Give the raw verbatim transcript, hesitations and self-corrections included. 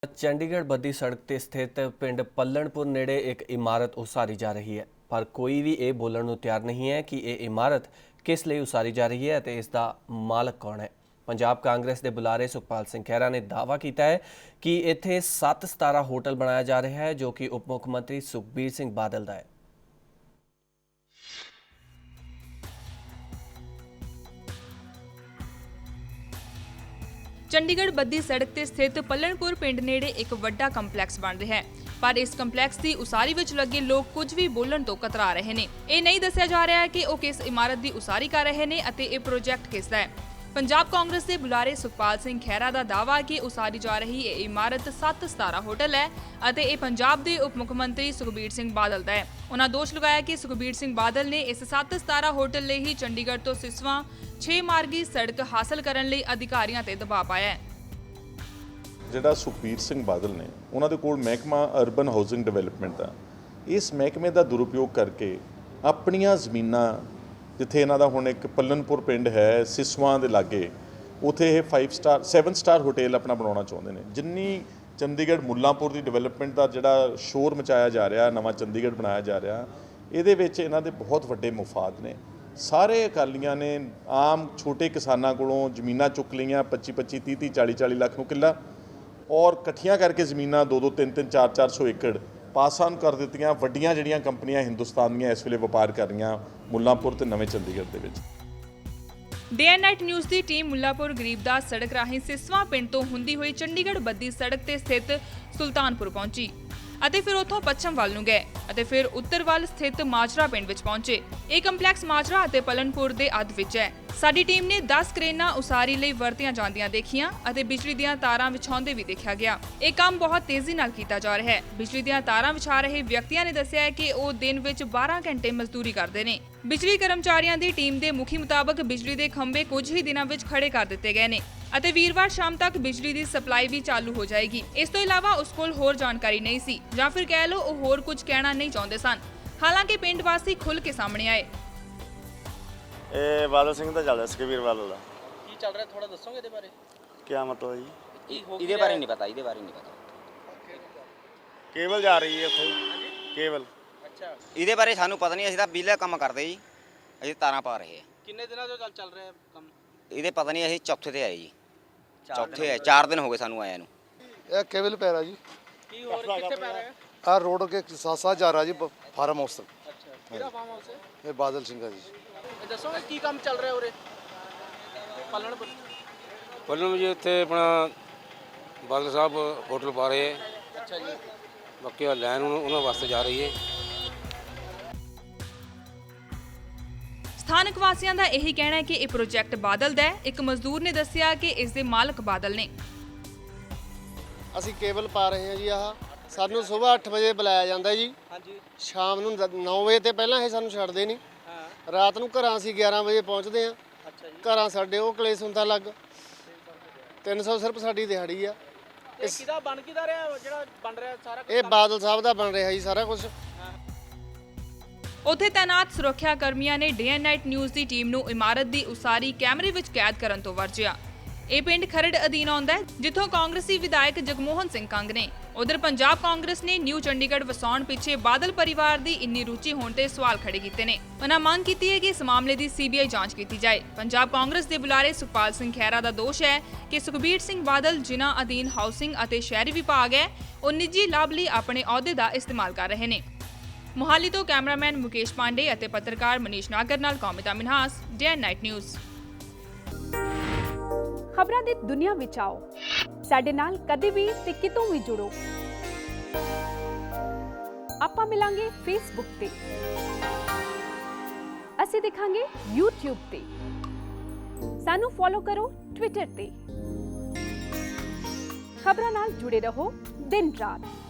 ਚੰਡੀਗੜ੍ਹ ਬੱਦੀ ਸੜਕ ਤੇ ਸਥਿਤ ਪਿੰਡ ਪੱਲਣਪੁਰ ਨੇੜੇ ਇੱਕ ਇਮਾਰਤ ਉਸਾਰੀ ਜਾ ਰਹੀ ਹੈ, ਪਰ ਕੋਈ ਵੀ ਇਹ ਬੋਲਣ ਨੂੰ ਤਿਆਰ ਨਹੀਂ ਹੈ ਕਿ ਇਹ ਇਮਾਰਤ ਕਿਸ ਲਈ ਉਸਾਰੀ ਜਾ ਰਹੀ ਹੈ ਅਤੇ ਇਸ ਦਾ ਮਾਲਕ ਕੌਣ ਹੈ। ਪੰਜਾਬ ਕਾਂਗਰਸ ਦੇ ਬੁਲਾਰੇ ਸੁਖਪਾਲ ਸਿੰਘ ਖਹਿਰਾ ਨੇ ਦਾਅਵਾ ਕੀਤਾ ਹੈ ਕਿ ਇੱਥੇ ਸੱਤ ਸਤਾਰਾ ਹੋਟਲ ਬਣਾਇਆ ਜਾ ਰਿਹਾ ਹੈ, ਜੋ ਕਿ ਉਪ ਮੁੱਖ ਮੰਤਰੀ ਸੁਖਬੀਰ ਸਿੰਘ ਬਾਦਲ ਦਾ ਹੈ। ਚੰਡੀਗੜ੍ਹ ਬੱਦੀ ਸੜਕ ਤੇ ਸਥਿਤ ਪੱਲਣਪੁਰ ਪਿੰਡ ਨੇੜੇ ਇੱਕ ਵੱਡਾ ਕੰਪਲੈਕਸ ਬਣ ਰਿਹਾ ਹੈ, ਪਰ ਇਸ ਕੰਪਲੈਕਸ ਦੀ ਉਸਾਰੀ ਵਿੱਚ ਲੱਗੇ ਲੋਕ ਕੁਝ ਵੀ ਬੋਲਣ ਤੋਂ ਕਤਰਾ ਰਹੇ ਨੇ। ਇਹ ਨਹੀਂ ਦੱਸਿਆ ਜਾ ਰਿਹਾ ਕਿ ਉਹ ਕਿਸ ਇਮਾਰਤ ਦੀ ਉਸਾਰੀ ਕਰ ਰਹੇ ਨੇ ਅਤੇ ਇਹ ਪ੍ਰੋਜੈਕਟ ਕਿਸ ਦਾ ਹੈ। ਪੰਜਾਬ ਕਾਂਗਰਸ ਦੇ ਬੁਲਾਰੇ ਸੁਖਪਾਲ ਸਿੰਘ ਖਹਿਰਾ ਦਾ ਦਾਅਵਾ ਹੈ ਕਿ ਉਸਾਰੀ ਜਾ ਰਹੀ ਇਹ ਇਮਾਰਤ ਸੱਤ ਸਤਾਰਾ ਹੋਟਲ ਹੈ ਅਤੇ ਇਹ ਪੰਜਾਬ ਦੇ ਉਪ ਮੁੱਖ ਮੰਤਰੀ ਸੁਖਬੀਰ ਸਿੰਘ ਬਾਦਲ ਦਾ ਹੈ। ਉਹਨਾਂ ਦੋਸ਼ ਲਗਾਇਆ ਕਿ ਸੁਖਬੀਰ ਸਿੰਘ ਬਾਦਲ ਨੇ ਇਸ ਸੱਤ ਸਤਾਰਾ ਹੋਟਲ ਲਈ ਹੀ ਚੰਡੀਗੜ੍ਹ ਤੋਂ ਸਿਸਵਾਂ ਛੇ ਮਾਰਗੀ ਸੜਕ ਹਾਸਲ ਕਰਨ ਲਈ ਅਧਿਕਾਰੀਆਂ ਤੇ ਦਬਾਅ ਪਾਇਆ ਹੈ। ਜਿਹੜਾ ਸੁਖਬੀਰ ਸਿੰਘ ਬਾਦਲ ਨੇ ਉਹਨਾਂ ਦੇ ਕੋਲ ਮਹਿਕਮਾ ਅਰਬਨ ਹਾਊਸਿੰਗ ਡਿਵੈਲਪਮੈਂਟ ਦਾ, ਇਸ ਮਹਿਕਮੇ ਦਾ ਦੁਰਉਪਯੋਗ ਕਰਕੇ ਆਪਣੀਆਂ ਜ਼ਮੀਨਾਂ, ਜਿੱਥੇ ਇਹਨਾਂ ਦਾ ਹੁਣ ਇੱਕ ਪੱਲਣਪੁਰ ਪਿੰਡ ਹੈ ਸਿਸਵਾਂ ਦੇ ਲਾਗੇ, ਉੱਥੇ ਇਹ five star seven star hotel ਆਪਣਾ ਬਣਾਉਣਾ ਚਾਹੁੰਦੇ ਨੇ। ਜਿੰਨੀ ਚੰਡੀਗੜ੍ਹ ਮੁੱਲਾਂਪੁਰ ਦੀ ਡਿਵੈਲਪਮੈਂਟ ਦਾ ਜਿਹੜਾ ਸ਼ੋਰ ਮਚਾਇਆ ਜਾ ਰਿਹਾ, ਨਵਾਂ ਚੰਡੀਗੜ੍ਹ ਬਣਾਇਆ ਜਾ ਰਿਹਾ, ਇਹਦੇ ਵਿੱਚ ਇਹਨਾਂ ਦੇ ਬਹੁਤ ਵੱਡੇ ਮੁਫਾਦ ਨੇ। ਸਾਰੇ ਅਕਾਲੀਆਂ ਨੇ ਆਮ ਛੋਟੇ ਕਿਸਾਨਾਂ ਕੋਲੋਂ ਜ਼ਮੀਨਾਂ ਚੁੱਕ ਲਈਆਂ ਪੱਚੀ ਪੱਚੀ ਤੀਹ ਤੀਹ ਚਾਲੀ ਚਾਲੀ ਲੱਖ ਨੂੰ ਕਿੱਲਾ, ਔਰ ਇਕੱਠੀਆਂ ਕਰਕੇ ਜ਼ਮੀਨਾਂ ਦੋ ਦੋ ਤਿੰਨ ਤਿੰਨ ਚਾਰ ਚਾਰ ਸੌ ਏਕੜ ਪਾਸ ਆਨ ਕਰ ਦਿੱਤੀਆਂ। ਵੱਡੀਆਂ ਜਿਹੜੀਆਂ ਕੰਪਨੀਆਂ ਹਿੰਦੁਸਤਾਨ ਦੀਆਂ ਇਸ ਵੇਲੇ ਵਪਾਰ ਕਰ ਰਹੀਆਂ ਮੁੱਲਾਂਪੁਰ ਤੇ ਨਵੇਂ ਚੰਡੀਗੜ੍ਹ ਦੇ ਵਿੱਚ। ਡੇ ਐਂਡ ਨਾਈਟ ਨਿਊਜ਼ ਦੀ ਟੀਮ ਮੁੱਲਾਂਪੁਰ ਗਰੀਬਦਾਸ ਸੜਕ ਰਾਹੀਂ ਸਿਸਵਾਂ ਪਿੰਡ ਤੋਂ ਹੁੰਦੀ ਹੋਈ ਚੰਡੀਗੜ੍ਹ ਬੱਦੀ ਸੜਕ ਤੇ ਸਥਿਤ ਸੁਲਤਾਨਪੁਰ ਪਹੁੰਚੀ ਅਤੇ ਫਿਰ ਉੱਥੋਂ ਪੱਛਮ ਵੱਲ ਨੂੰ ਗਏ ਅਤੇ ਫਿਰ ਉੱਤਰ ਵੱਲ ਸਥਿਤ ਮਾਜਰਾ ਪਿੰਡ ਵਿੱਚ ਪਹੁੰਚੇ। ਇਹ ਕੰਪਲੈਕਸ ਮਾਜਰਾ ਅਤੇ ਪਲਨਪੁਰ ਦੇ ਅੱਧ ਵਿੱਚ ਹੈ। ਸਾਡੀ ਟੀਮ ਨੇ ਦਸ ਕਰੇਨਾਂ ਉਸਾਰੀ ਲਈ ਵਰਤੀਆਂ ਜਾਂਦੀਆਂ ਦੇਖੀਆਂ ਅਤੇ ਬਿਜਲੀ ਦੀਆਂ ਤਾਰਾਂ ਵਿਛਾਉਂਦੇ ਵੀ ਦੇਖਿਆ ਗਿਆ। ਇਹ ਕੰਮ ਬਹੁਤ ਤੇਜ਼ੀ ਨਾਲ ਕੀਤਾ ਜਾ ਰਿਹਾ ਹੈ। ਬਿਜਲੀ ਦੀਆਂ ਤਾਰਾਂ ਵਿਛਾ ਰਹੇ ਵਿਅਕਤੀਆਂ ਨੇ ਦੱਸਿਆ ਹੈ ਕਿ ਉਹ ਦਿਨ ਵਿੱਚ ਬਾਰਾਂ ਘੰਟੇ ਮਜ਼ਦੂਰੀ ਕਰਦੇ ਨੇ। ਬਿਜਲੀ ਕਰਮਚਾਰੀਆਂ ਦੀ ਟੀਮ ਦੇ ਮੁਖੀ ਮੁਤਾਬਕ ਬਿਜਲੀ ਦੇ ਖੰਭੇ ਕੁਝ ਹੀ ਦਿਨਾਂ ਵਿੱਚ ਖੜੇ ਕਰ ਦਿੱਤੇ ਗਏ ਨੇ ਅਤੇ ਵੀਰਵਾਰ ਸ਼ਾਮ ਤੱਕ ਬਿਜਲੀ ਦੀ ਸਪਲਾਈ ਵੀ ਚਾਲੂ ਹੋ ਜਾਏਗੀ। ਇਸ ਤੋਂ ਇਲਾਵਾ ਉਸ ਕੋਲ ਹੋਰ ਜਾਣਕਾਰੀ ਨਹੀਂ ਸੀ, ਜਾਂ ਫਿਰ ਕਹਿ ਲਓ ਉਹ ਹੋਰ ਕੁਝ ਕਹਿਣਾ ਨਹੀਂ ਚਾਹੁੰਦੇ ਸਨ। ਹਾਲਾਂਕਿ ਪਿੰਡ ਵਾਸੀ ਖੁੱਲ੍ਹ ਕੇ ਸਾਹਮਣੇ ਆਏ। ਇਹ ਬਾਦਲ ਸਿੰਘ ਦਾ ਚੱਲਦਾ ਸੁਖਬੀਰ ਬਾਦਲ ਦਾ। ਕੀ ਚੱਲ ਰਿਹਾ ਥੋੜਾ ਦੱਸੋਗੇ ਇਹਦੇ ਬਾਰੇ? ਕੀ ਮਤਲਬ ਜੀ? ਇਹਦੇ ਬਾਰੇ ਨਹੀਂ ਪਤਾ, ਇਹਦੇ ਬਾਰੇ ਨਹੀਂ ਪਤਾ। ਕੇਬਲ ਜਾ ਰਹੀ ਹੈ ਉੱਥੇ, ਕੇਬਲ। ਅੱਛਾ, ਇਹਦੇ ਬਾਰੇ ਸਾਨੂੰ ਪਤਾ ਨਹੀਂ, ਅਸੀਂ ਤਾਂ ਬਿਜਲੀ ਦਾ ਕੰਮ ਕਰਦੇ ਜੀ, ਅਸੀਂ ਤਾਰਾਂ ਪਾ ਰਹੇ ਹਾਂ। ਕਿੰਨੇ ਦਿਨਾਂ ਤੋਂ ਚੱਲ ਚੱਲ ਰਿਹਾ ਕੰਮ? ਇਹਦੇ ਪਤਾ ਨਹੀਂ, ਅਸੀਂ ਚੌਥੇ ਤੇ ਆਏ ਜੀ, ਚੌਥੇ ਆਏ, ਚਾਰ ਦਿਨ ਹੋ ਗਏ ਸਾਨੂੰ ਆਇਆ ਨੂੰ। ਇਹ ਕੇਬਲ ਪੈ ਰਿਹਾ ਜੀ। ਕੀ ਹੋਰ ਕਿੱਥੇ ਪੈ ਰਿਹਾ? ਆ ਰੋਡ ਕੇ ਸਾਥ ਸਾਥ ਜਾ ਰਿਹਾ ਜੀ ਫਾਰਮ ਹਾਊਸ ਤੱਕ। ਅੱਛਾ, ਕਿਹੜਾ ਫਾਰਮ ਹਾਊਸ ਹੈ? ਇਹ ਬਾਦਲ ਸਿੰਘ ਦਾ ਜੀ। ਇਹ ਦੱਸੋਗੇ ਕੀ ਕੰਮ ਚੱਲ ਰਿਹਾ ਉਰੇ ਪੱਲਣਪੁਰ? ਪੱਲਣ ਜੀ ਉੱਥੇ ਆਪਣਾ ਬਾਦਲ ਸਾਹਿਬ ਹੋਟਲ ਪਾ ਰਹੇ ਹੈ। ਅੱਛਾ ਜੀ, ਬਾਕੀ ਆ ਲਾਈਨ ਉਹਨਾਂ ਵਾਸਤੇ ਜਾ ਰਹੀ ਹੈ। ਸਥਾਨਕ ਵਾਸੀਆਂ ਦਾ ਇਹੀ ਕਹਿਣਾ ਹੈ ਕਿ ਇਹ ਪ੍ਰੋਜੈਕਟ ਬਾਦਲ ਦਾ ਹੈ। ਇੱਕ ਮਜ਼ਦੂਰ ਨੇ ਦੱਸਿਆ ਕਿ ਇਸ ਦੇ ਮਾਲਕ ਬਾਦਲ ਨੇ। ਅਸੀਂ ਕੇਬਲ ਪਾ ਰਹੇ ਹਾਂ ਜੀ। ਆਹ ਸਾਨੂੰ ਸਵੇਰ ਅੱਠ ਵਜੇ ਬੁਲਾਇਆ ਜਾਂਦਾ ਜੀ। ਹਾਂਜੀ, ਸ਼ਾਮ ਨੂੰ ਨੌ ਵਜੇ ਤੇ ਪਹਿਲਾਂ ਇਹ ਸਾਨੂੰ ਛੱਡਦੇ ਨਹੀਂ। ਹਾਂ, ਰਾਤ ਨੂੰ ਘਰਾਂ ਅਸੀਂ ਗਿਆਰਾਂ ਵਜੇ ਪਹੁੰਚਦੇ ਹਾਂ। ਅੱਛਾ ਜੀ। ਘਰਾਂ ਸਾਡੇ ਉਹ ਕਲੇਸ਼ ਹੁੰਦਾ ਲੱਗ ਤਿੰਨ ਸੌ ਸਿਰਫ ਸਾਡੀ ਦਿਹਾੜੀ ਆ। ਇਹ ਕਿਹਦਾ ਬਣ ਕਿਹਦਾ ਰਿਹਾ ਜਿਹੜਾ ਬਣ ਰਿਹਾ ਸਾਰਾ ਕੁਝ? ਇਹ ਬਾਦਲ ਸਾਹਿਬ ਦਾ ਬਣ ਰਿਹਾ ਜੀ ਸਾਰਾ ਕੁਝ। ਉੱਥੇ ਤੈਨਾਤ ਸੁਰੱਖਿਆ ਕਰਮੀਆਂ ਨੇ ਡੇ ਐਂਡ ਨਾਈਟ ਨਿਊਜ਼ ਦੀ ਟੀਮ ਨੂੰ ਇਮਾਰਤ ਦੀ ਉਸਾਰੀ ਕੈਮਰੇ ਵਿੱਚ ਕੈਦ ਕਰਨ ਤੋਂ ਵਰਜਿਆ। ਇਹ ਪਿੰਡ ਖਰੜ ਅਧੀਨ ਆਉਂਦਾ ਹੈ, ਜਿੱਥੋਂ ਕਾਂਗਰਸੀ ਵਿਧਾਇਕ ਜਗਮੋਹਨ ਸਿੰਘ ਕੰਗ ਨੇ। ਉਧਰ ਪੰਜਾਬ ਕਾਂਗਰਸ ਨੇ ਨਿਊ ਚੰਡੀਗੜ੍ਹ ਵਸਾਉਣ ਪਿੱਛੇ ਬਾਦਲ ਪਰਿਵਾਰ ਦੀ ਇੰਨੀ ਰੁਚੀ ਹੋਣ ਤੇ ਸਵਾਲ ਖੜੇ ਕੀਤੇ ਨੇ। ਉਹਨਾਂ ਮੰਗ ਕੀਤੀ ਹੈ ਕਿ ਇਸ ਮਾਮਲੇ ਦੀ ਸੀ ਬੀ ਆਈ ਜਾਂਚ ਕੀਤੀ ਜਾਏ। ਪੰਜਾਬ ਕਾਂਗਰਸ ਦੇ ਬੁਲਾਰੇ ਸੁਖਪਾਲ ਸਿੰਘ ਖਹਿਰਾ ਦਾ ਦੋਸ਼ ਹੈ ਕਿ ਸੁਖਬੀਰ ਸਿੰਘ ਬਾਦਲ, ਜਿਨ੍ਹਾਂ ਅਧੀਨ ਹਾਊਸਿੰਗ ਅਤੇ ਸ਼ਹਿਰੀ ਵਿਭਾਗ ਹੈ, ਉਹ ਨਿੱਜੀ ਲਾਭ ਲਈ ਆਪਣੇ ਅਹੁਦੇ ਦਾ ਇਸਤੇਮਾਲ ਕਰ ਰਹੇ ਨੇ। ਮੁਹਾਲੀ ਤੋਂ ਕੈਮਰਾਮੈਨ ਮੁਕੇਸ਼ ਪਾਂਡੇ ਅਤੇ ਪੱਤਰਕਾਰ ਮਨੀਸ਼ ਨਾਗਰ ਨਾਲ Kaumita Minhas, day and night news. ਖਬਰਾਂ ਦੀ ਦੁਨੀਆ ਵਿੱਚ ਆਓ, ਸਾਡੇ ਨਾਲ ਕਦੇ ਵੀ ਤੇ ਕਿਤੋਂ ਵੀ ਜੁੜੋ। ਆਪਾਂ ਮਿਲਾਂਗੇ ਫੇਸਬੁੱਕ ਤੇ, ਅਸੀਂ ਦਿਖਾਂਗੇ ਯੂਟਿਊਬ ਤੇ, ਸਾਨੂੰ ਫੋਲੋ ਕਰੋ ਟਵਿੱਟਰ ਤੇ। ਖਬਰਾਂ ਨਾਲ ਜੁੜੇ ਰਹੋ ਦਿਨ ਰਾਤ।